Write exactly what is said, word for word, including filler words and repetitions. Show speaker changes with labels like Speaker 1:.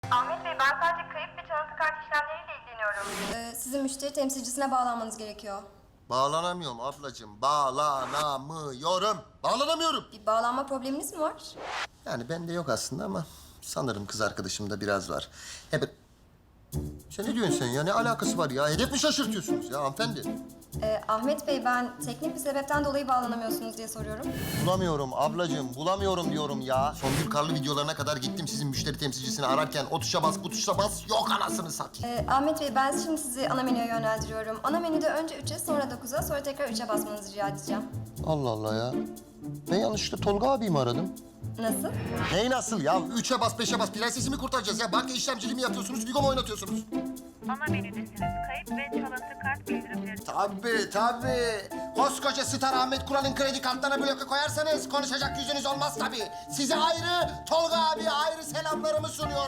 Speaker 1: Ahmet Bey, ben sadece kayıp ve çalıntı kart işlemleriyle ilgileniyorum.
Speaker 2: Ee, sizin müşteri temsilcisine bağlanmanız gerekiyor.
Speaker 3: Bağlanamıyorum ablacığım. Bağlanamıyorum. Bağlanamıyorum.
Speaker 2: Bir bağlanma probleminiz mi var?
Speaker 3: Yani bende yok aslında ama sanırım kız arkadaşımda biraz var. Hep... Sen ne diyorsun sen ya? Ne alakası var ya? Hedef mi şaşırtıyorsunuz ya hanımefendi?
Speaker 2: Ee, Ahmet Bey, ben teknik bir sebepten dolayı bağlanamıyorsunuz diye soruyorum.
Speaker 3: Bulamıyorum ablacığım, bulamıyorum diyorum ya. Songül Karlı videolarına kadar gittim sizin müşteri temsilcisini ararken. O tuşa bas, bu tuşa bas. Yok anasını satayım.
Speaker 2: Ee, Ahmet Bey, ben şimdi sizi ana menüye yönlendiriyorum. Ana menüde önce üçe, sonra dokuza, sonra tekrar üçe basmanızı rica edeceğim.
Speaker 3: Allah Allah ya. Ben yanlışlıkla Tolga abiyi mi aradım?
Speaker 2: Nasıl?
Speaker 3: Neyi nasıl ya? Üçe bas, beşe bas. Prensesi mi kurtaracağız ya? Banka işlemciliği mi yapıyorsunuz, Vigo mu oynatıyorsunuz?
Speaker 1: Ana menüdesiniz. Kayıp ve çalıntı kart bildirimleri.
Speaker 3: Tabii tabii. Koskoca Star Ahmet Kural'ın kredi kartlarına bloke koyarsanız konuşacak yüzünüz olmaz tabii. Size ayrı, Tolga abi ayrı selamlarımı sunuyor.